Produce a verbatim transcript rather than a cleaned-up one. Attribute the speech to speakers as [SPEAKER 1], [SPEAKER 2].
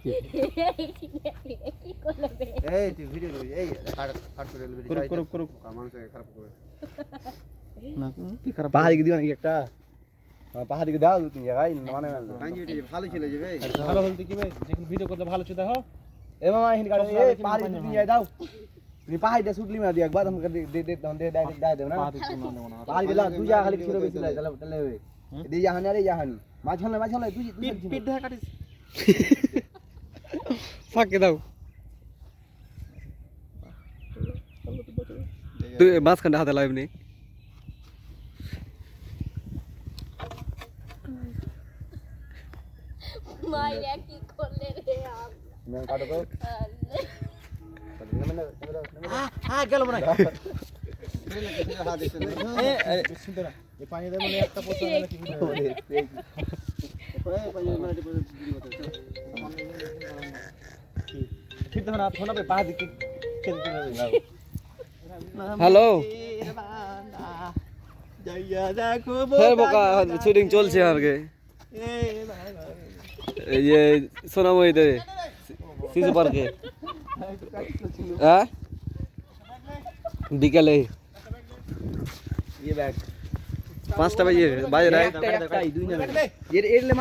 [SPEAKER 1] এই তুই ভিডিও করিস এই কাট কাট করে ভিডিও করুক করুক করুক মানুষ খারাপ করে না কি খারাপ পাহাড়ি কি দিও নাকি একটা পাহাড়ি কি দাও তুমি জায়গায় মানে ভালো ছিল যে ভাই ভালো বলতে কি ভাই যখন ভিডিও করতে ভালো ছিল দেখো এ মামা এখানে গাড়ি এই পাহাড়ি তুমি যাই দাও তুমি পাহাড়িটা শুটলি না দিও একবার আমাকে দে দে দে দে দে দেব না পাহাড়ি গেলা দুই জায়গা খালি ছিল বেশি তাহলে তাহলে হবে এই জাহান আরে জাহান মাঝখানে মাঝখানে তুই পিট পিট দেখা কাটিস ফাঁকে দাও তুই মাঝখানে হাতে লাইভ নেই
[SPEAKER 2] মাইয়া কি করলে রে আম
[SPEAKER 1] मैं काटो को हां গেল মনে हां দেখছ এ শুনতে না এই পানি দেব মানে একটা পোতা না কি ওই পানি মানে ভিডিও করতে ঠিক তো না ফোন पे पा दिख হ্যালো জয়া দেখো
[SPEAKER 3] হ্যাঁ বোকা শুটিং চলছে আরকে এই যে সোনাময়ীতে শিশু পার্কে হ্যাঁ বিকালে
[SPEAKER 1] ये बैग
[SPEAKER 3] পাঁচটা বাজে বাজে না
[SPEAKER 1] একটা একটাই দুই না এর এর